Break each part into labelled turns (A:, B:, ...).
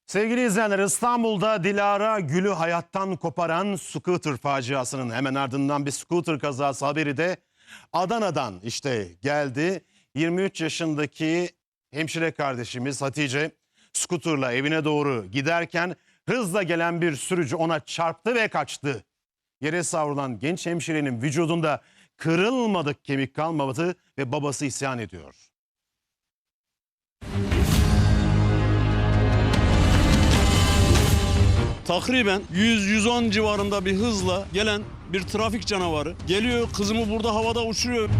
A: Sevgili izleyenler, İstanbul'da Dilara Gül'ü hayattan koparan scooter faciasının hemen ardından bir scooter kazası haberi de Adana'dan geldi. 23 yaşındaki hemşire kardeşimiz Hatice scooterla evine doğru giderken hızla gelen bir sürücü ona çarptı ve kaçtı. Yere savrulan genç hemşirenin vücudunda kırılmadık kemik kalmadı ve babası isyan ediyor.
B: Takriben 100-110 civarında bir hızla gelen bir trafik canavarı geliyor, kızımı burada havada uçuruyor.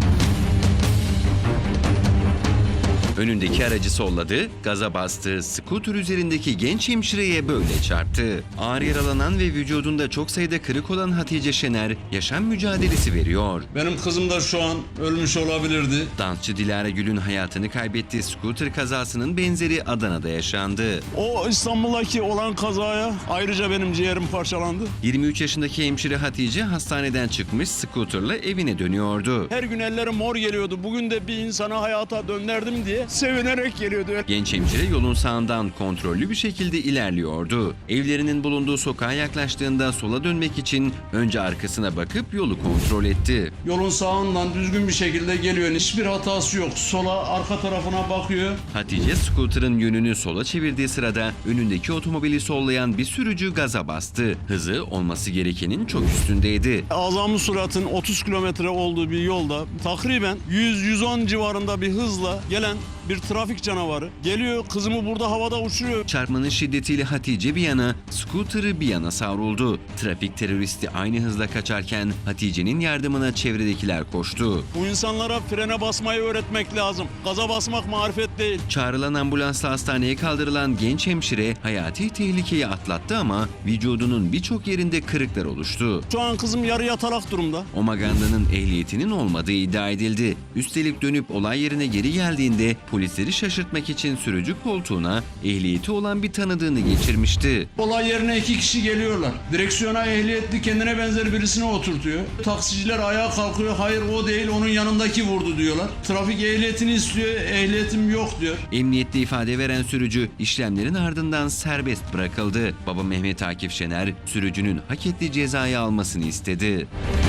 C: Önündeki aracı solladı, gaza bastı, scooter üzerindeki genç hemşireye böyle çarptı. Ağır yaralanan ve vücudunda çok sayıda kırık olan Hatice Şener yaşam mücadelesi veriyor.
B: Benim kızım da şu an ölmüş olabilirdi.
C: Dansçı Dilara Gül'ün hayatını kaybettiği scooter kazasının benzeri Adana'da yaşandı.
B: O İstanbul'daki olan kazaya ayrıca benim ciğerim parçalandı.
C: 23 yaşındaki hemşire Hatice hastaneden çıkmış scooterla evine dönüyordu.
B: Her gün ellerim mor geliyordu. Bugün de bir insana hayata döndürdüm diye sevinerek geliyordu.
C: Genç hemşire yolun sağından kontrollü bir şekilde ilerliyordu. Evlerinin bulunduğu sokağa yaklaştığında sola dönmek için önce arkasına bakıp yolu kontrol etti.
B: Yolun sağından düzgün bir şekilde geliyor. Hiçbir hatası yok. Sola, arka tarafına bakıyor.
C: Hatice scooter'ın yönünü sola çevirdiği sırada önündeki otomobili sollayan bir sürücü gaza bastı. Hızı olması gerekenin çok üstündeydi.
B: Azami süratin 30 kilometre olduğu bir yolda takriben 100-110 civarında bir hızla gelen bir trafik canavarı geliyor, kızımı burada havada uçuruyor.
C: Çarpmanın şiddetiyle Hatice bir yana, scooter'ı bir yana savruldu. Trafik teröristi aynı hızla kaçarken Hatice'nin yardımına çevredekiler koştu.
B: Bu insanlara frene basmayı öğretmek lazım. Gaza basmak marifet değil.
C: Çağrılan ambulansla hastaneye kaldırılan genç hemşire hayati tehlikeyi atlattı ama vücudunun birçok yerinde kırıklar oluştu.
B: Şu an kızım yarı yatalak durumda.
C: O maganda'nın ehliyetinin olmadığı iddia edildi. Üstelik dönüp olay yerine geri geldiğinde polisleri şaşırtmak için sürücü koltuğuna ehliyeti olan bir tanıdığını geçirmişti.
B: Olay yerine 2 kişi geliyorlar. Direksiyona ehliyetli kendine benzer birisini oturtuyor. Taksiciler ayağa kalkıyor. Hayır o değil, onun yanındaki vurdu diyorlar. Trafik ehliyetini istiyor. Ehliyetim yok diyor.
C: Emniyette ifade veren sürücü işlemlerin ardından serbest bırakıldı. Baba Mehmet Akif Şener sürücünün hak ettiği cezayı almasını istedi.